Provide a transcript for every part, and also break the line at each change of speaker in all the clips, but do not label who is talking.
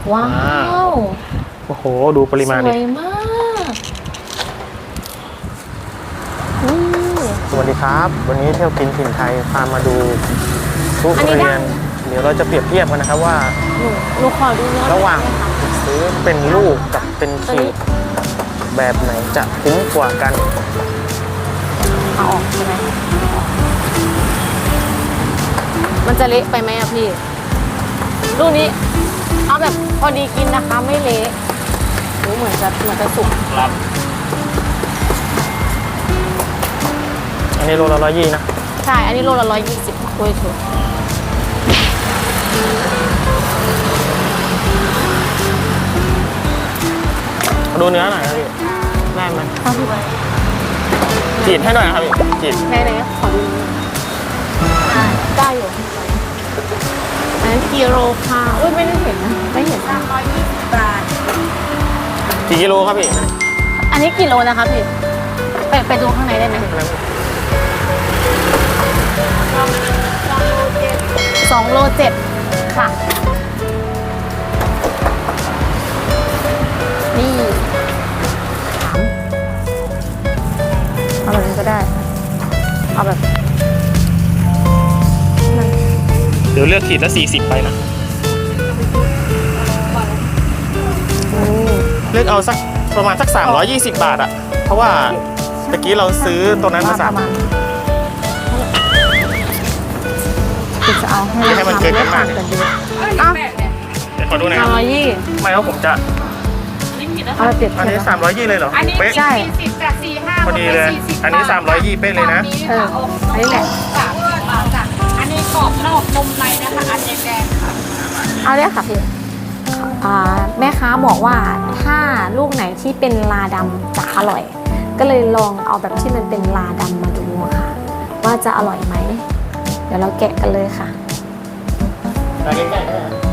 ว้าว
โอ้โหดูปริมาณดิ
สวยมาก
สวัสดีครับวันนี้เที่ยวกินถิ่นไทยพามาดูทุเรียนเดี๋ยวเราจะเปรียบเทียบกันนะครับว่า
หนูขอดูเนื้อ
ระหว่างซื้อเป็นลูกกับเป็นขีดแบบไหนจะคุ้มกว่ากัน
เอาออกใช่ไหมมันจะเละไปไหมอะพี่ลูกนี้เอาแบบพอดีกินนะคะไม่เละเหมือนจะสุก
ครับอันนี้โลละ120นะ
ใช่อันนี้โลละ120ด้วยถูก
ดูเนื้อหน่อยครับพี่ได้ไหม
ครับพี่
จีดให้หน่อยนะครับพี่จีด
ไหนขอดูได้อยู่อันนั้นกิโลค่ะอุ้ยไม่ได้เห็นนะไม่เห็น320 บาท
กี่กิโลครับพี่
อันนี้กิโลนะคะพี่ไปดูข้างในได้ไหม2.7 โลค่ะนี่เอาแบบนี้ก็ได้เอาแบบ
เดี๋ยวเลือกขีดละ40ไปนะเลือกเอาสักประมาณสัก320 บาทอะเพราะว่าตะกี้เราซื้อตัวนั้นมา3
จะเอา
ให้มันเกินกันมากเดี๋ยวขอดูหน่อยครับไม่เพราะผมจะ
เอา
อันนี้320เลยเหรอ
อันนี้
ใช่
40จาก45
พอดีเลยอันนี้320เป๊ะเลยนะ
อันนี้แหละ
อันนี้กรอบนอกนมในนะคะอันแดงค่ะ
เอาเลยค่ะพี่แม่ค้าบอกว่าถ้าลูกไหนที่เป็นลาดำจะอร่อยก็เลยลองเอาแบบที่มันเป็นลาดำมาดูค่ะว่าจะอร่อยไหมเดี๋ยวเราแกะกันเลยค่ะ
ใกล้ๆ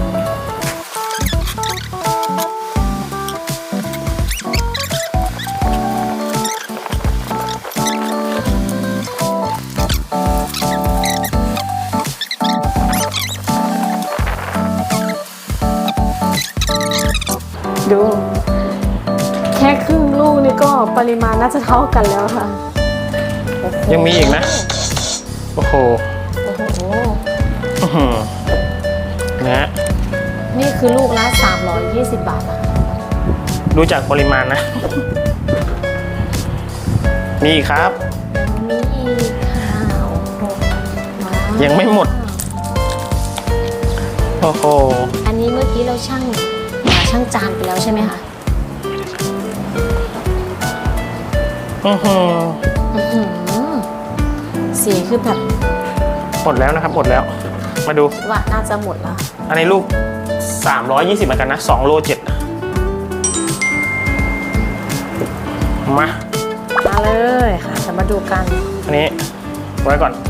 ดูแค่ครึ่งลูกนี่ก็ปริมาณน่าจะเท่ากันแล้วค่ะ
ยังมีอีกนะโอ้โหนะ
นี่คือลูกละ320 บาทนะ
ดูจากปริมาณนะมีอีกครับ
มีอีกค่ะ
ยังไม่หมดโอ้โห
อันนี้เมื่อกี้เราช่างจานไปแล้วใช่ไหมคะสีคือแบบ
หมดแล้วนะครับหมดแล้วมาดู
ว่าน่าจะหมดแล้ว
อันนี้ลูก320เหมือนกันนะ2.7 โลมา
เลยค่ะจะมาดูกัน
อันนี้ไว้ก่อน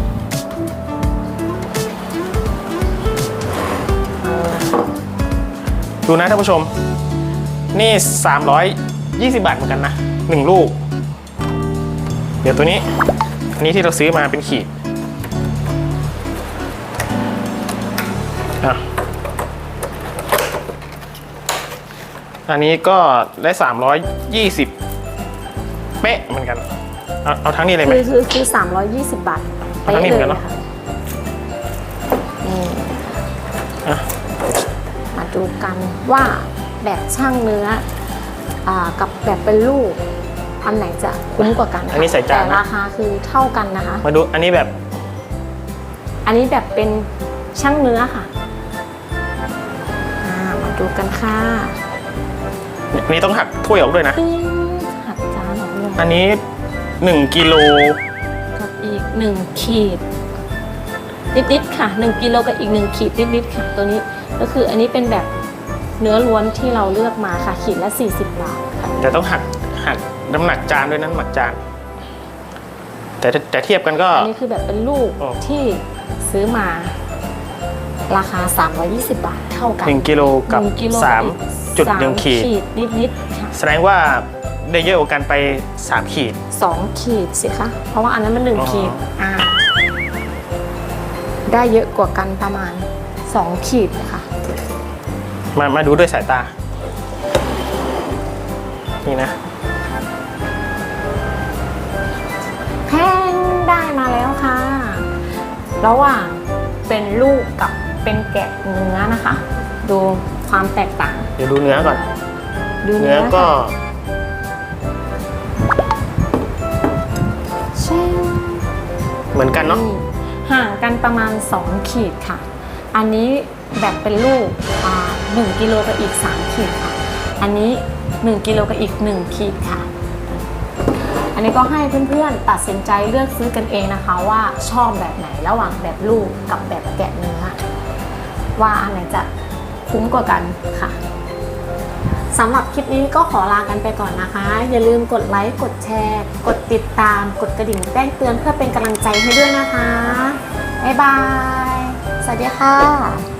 ดูนะท่านผู้ชมนี่320 บาทเหมือนกันนะ1ลูกเดี๋ยวตัวนี้อันนี้ที่เราซื้อมาเป็นขีดอันนี้ก็ได้320เป๊ะเหมือนกันเอาทั้งนี้เลยไหม
คือ320 บาท
เป๊ะเลยค่ะ
มาดูกันว่าแบบช่างเนื้อกับแบบเป็นลูกอันไหนจะคุ้มกว่ากัน
อันนี้ใส่จาน
แต่ราคาคือเท่ากันนะคะ
มาดูอันนี้แบบ
เป็นช่างเนื้อค่ะมาดูกันค่ะ
อันนี้ต้องหักถ้วยออกด้วยนะ
หักจานออกด้วย
อันนี้1 กิโล
กับอีก1 ขีดนิดๆค่ะ1 กิโลกับอีก1 ขีดนิดๆค่ะตัวนี้ก็คืออันนี้เป็นแบบเนื้อล้วนที่เราเลือกมาค่ะขีดละ40 บาทค่ะ
แต่ต้องหักน้ำหนักจานด้วยนั้นหมักจานแต่เทียบกันก็
อันนี้คือแบบเป็นลูกที่ซื้อมาราคา320 บาทเท่ากัน
1 กิโลกับ3.1 ขีด
นิดๆค่ะ
แสดงว่าได้เยอะกว่ากันไป3 ขีด
2 ขีดสิคะเพราะว่าอันนั้นมัน1 ขีดได้เยอะกว่ากันประมาณ2 ขีดนะคะ
มาดูด้วยสายตา นี่นะ
แพงได้มาแล้วค่ะ ระหว่างเป็นลูกกับเป็นแกะเนื้อนะคะ ดูความแตกต่าง
เดี๋ยวดูเนื้อก่อน
ดู
เนื้
เนื้
อ
อ
ก็
ค่ะเช่
เหมือนกันเนาะ
นี่ห่างกันประมาณ 2 ขีดค่ะ อันนี้แบบเป็นลูก1 กิโลกับอีก 3 ขีดค่ะ อันนี้ 1 กิโลกับอีก 1 ขีดค่ะ อันนี้ก็ให้เพื่อนๆตัดสินใจเลือกซื้อกันเองนะคะว่าชอบแบบไหนระหว่างแบบลูกกับแบบแกะเนื้อว่าอันไหนจะคุ้มกว่ากันค่ะสำหรับคลิปนี้ก็ขอลากันไปก่อนนะคะ อย่าลืมกดไลค์กดแชร์ กดติดตามกดกระดิ่งแจ้งเตือนเพื่อเป็นกำลังใจให้ด้วยนะคะบ๊ายบายสวัสดีค่ะ